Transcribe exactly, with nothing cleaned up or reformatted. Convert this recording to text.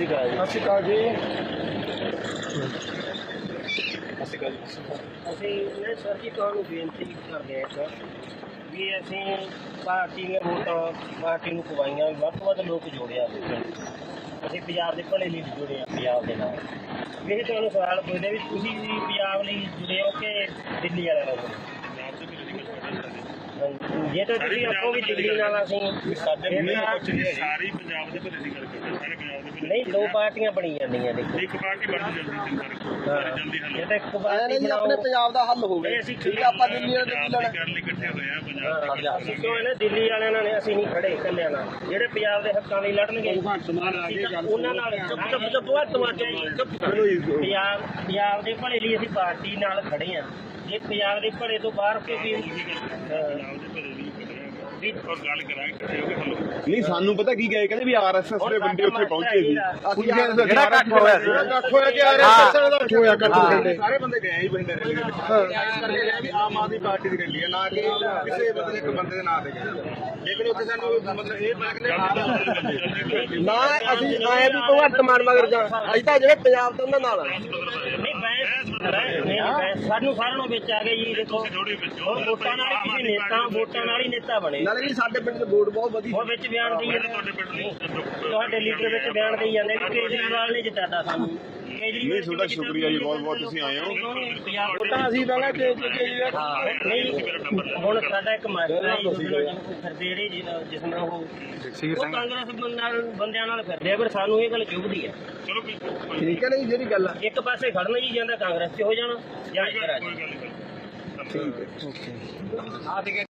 ਸ਼੍ਰੀ ਅਕਾਲ ਜੀ। ਸਤਿ ਸ਼੍ਰੀ ਅਕਾਲ ਜੀ। ਸਤਿ ਸ਼੍ਰੀ ਅਕਾਲ ਜੀ। ਅਸੀਂ ਮੈਂ ਸਰ ਜੀ ਤੁਹਾਨੂੰ ਬੇਨਤੀ ਕਰਦੇ ਹਾਂ ਇੱਕ ਵੀ ਅਸੀਂ ਪਾਰਟੀ ਨੇ ਵੋਟਾਂ ਪਾਰਟੀ ਨੂੰ ਪਵਾਈਆਂ, ਵੱਧ ਤੋਂ ਵੱਧ ਲੋਕ ਜੋੜਿਆ, ਅਸੀਂ ਪੰਜਾਬ ਦੇ ਭਲੇ ਲਈ ਜੁੜੇ ਹਾਂ ਪੰਜਾਬ ਦੇ ਨਾਲ। ਇਹ ਤੁਹਾਨੂੰ ਸਵਾਲ ਪੁੱਛਦੇ ਵੀ ਤੁਸੀਂ ਵੀ ਪੰਜਾਬ ਲਈ ਜੁੜੇ ਹੋ ਕਿ ਦਿੱਲੀ ਵਾਲਿਆਂ ਨਾਲ? ਜੇ ਤਾਂ ਤੁਸੀਂ ਆਪੋ ਵੀ ਦਿੱਲੀ ਨਾਲ ਅਸੀਂ ਸਾਡੇ ਸਾਰੀ ਪੰਜਾਬ ਦੇ ਭਲੇ ਦੀ ਗੱਲ ਕਰਦੇ, ਸਾਰੇ ਪੰਜਾਬ ਦੇ ਭਲੇ ਨਹੀਂ, ਦੋ ਪਾਰਟੀਆਂ ਬਣੀ ਜਾਂਦੀਆਂ ਦੇਖੋ। ਇੱਕ ਪਾਰਟੀ ਬਣ ਜਾਂਦੀ ਜਲਦੀ ਹੱਲ ਇਹ ਤਾਂ ਇੱਕ ਪਾਰਟੀ ਜੀ ਆਪਣੇ ਪੰਜਾਬ ਦਾ ਹੱਲ ਹੋ ਗਿਆ। ਅਸੀਂ ਠੀਕ ਆ, ਆਪਾਂ ਦਿੱਲੀ ਵਾਲੇ ਦੀ ਲੜਾਈ ਕਰਨ ਲਈ ਇਕੱਠੇ ਹੋਏ ਆ ਪੰਜਾਬ ਅਸੀਂ ਕਿਉਂ ਨਾ ਦਿੱਲੀ ਵਾਲਿਆਂ ਨਾਲ ਅਸੀਂ ਨਹੀਂ ਖੜੇ ਇਕੱਲਿਆਂ ਨਾਲ, ਜਿਹੜੇ ਪੰਜਾਬ ਦੇ ਹੱਕਾਂ ਲਈ ਲੜਨਗੇ ਉਹਨਾਂ ਨਾਲ ਚੁੱਪ ਚੁੱਪ ਚੁੱਪ ਪੰਜਾਬ ਪੰਜਾਬ ਦੇ ਭਲੇ ਲਈ ਅਸੀਂ ਪਾਰਟੀ ਨਾਲ ਖੜੇ ਹਾਂ। ਜੇ ਪੰਜਾਬ ਦੇ ਭਲੇ ਤੋਂ ਬਾਹਰ ਕੋਈ ਵੀ ਪੰਜਾਬ ਦੇ ਭਲੇ ਲਈ ਵੀ ਔਰ ਗੱਲ ਕਰਾਂਗੇ ਇਕੱਠੇ ਹੋ ਕੇ ਹੱਲ ਨਹੀਂ, ਸਾਨੂੰ ਪਤਾ ਕੀ ਗਏ ਕਹਿੰਦੇ ਵੀ ਆਰਐਸਐਸ ਦੇ ਬੰਦੇ ਉੱਥੇ ਪਹੁੰਚੇ ਸੀ। ਜਿਹੜਾ ਇਕੱਠ ਹੋਇਆ ਸੀ ਇਕੱਠ ਹੋਇਆ ਕਿ ਆਰਐਸਐਸ ਦਾ ਹੋਇਆ ਇਕੱਠ, ਸਾਰੇ ਬੰਦੇ ਗਏ ਹੀ ਬਠਿੰਡੇ ਰੈਲੀ ਦੇ ਵਿੱਚ। ਆਮ ਆਦਮੀ ਪਾਰਟੀ ਦੀ ਰੈਲੀ ਹੈ, ਨਾ ਕਿ ਕਿਸੇ ਬੰਦੇ ਇੱਕ ਬੰਦੇ ਦੇ ਨਾਂ ਤੇ ਗਏ। ਲੇਕਿਨ ਉੱਥੇ ਸਾਨੂੰ ਮਤਲਬ ਇਹ ਨਾ ਅਸੀਂ ਆਏ ਵੀ ਭਗਵੰਤ ਮਾਨ ਮਗਰ ਜਾ, ਅਸੀਂ ਤਾਂ ਜਿਹੜੇ ਪੰਜਾਬ ਤੋਂ ਉਹਨਾਂ ਨਾਲ ਆ। ਨਹੀਂ ਬੈਂਸ ਨਹੀਂ ਬੈਂਸ ਸਾਨੂੰ ਸਾਰਿਆਂ ਨੂੰ ਵਿੱਚ ਆ ਗਏ ਜੀ। ਦੇਖੋ ਹੁਣ ਵੋਟਾਂ ਨਾਲ ਹੀ ਕਿਸੇ ਨੇਤਾ ਵੋਟਾਂ ਨਾਲ ਹੀ ਨੇਤਾ ਬਣੇ। ਨਾਲੇ ਵੀ ਸਾਡੇ ਪਿੰਡ ਦੇ ਵੋਟ ਬਹੁਤ ਵਧੀਆ। ਉਹ ਵਿੱਚ ਬਿਆਨ ਦੇਈ ਜਾਂਦੇ, ਤੁਹਾਡੇ ਲੀਡਰ ਵਿੱਚ ਬਿਆਨ ਦੇਈ ਜਾਂਦੇ ਵੀ ਕੇਜਰੀਵਾਲ ਨੇ ਜਿਤਾਤਾ ਸਾਨੂੰ। ਨਹੀਂ, ਤੁਹਾਡਾ ਸ਼ੁਕਰੀਆ ਜੀ, ਬਹੁਤ ਬਹੁਤ ਤੁਸੀਂ ਆਏ ਹੋ। ਵੋਟਾਂ ਅਸੀਂ ਪਹਿਲਾਂ ਨਹੀਂ, ਹੁਣ ਸਾਡਾ ਇੱਕ ਮਾਸਟਰ ਹੈ ਫਿਰਦੇ ਜਿਸ ਨਾਲ ਉਹ ਉਹ ਕਾਂਗਰਸ ਨਾਲ ਬੰਦਿਆਂ ਨਾਲ ਫਿਰਦੇ ਆ, ਪਰ ਸਾਨੂੰ ਇਹ ਗੱਲ ਚੁਭਦੀ ਹੈ। ਚਲੋ ਠੀਕ ਹੈ ਨਾ ਜੀ, ਜਿਹੜੀ ਗੱਲ ਆ ਇੱਕ ਪਾਸੇ ਖੜਨਾ ਜੀ, ਜਾਂਦਾ ਕਾਂਗਰਸ 'ਚ ਹੋ ਜਾਣਾ ਜਾਂ ਇੱਧਰ ਆ ਜਾਣਾ। ਠੀਕ ਹੈ।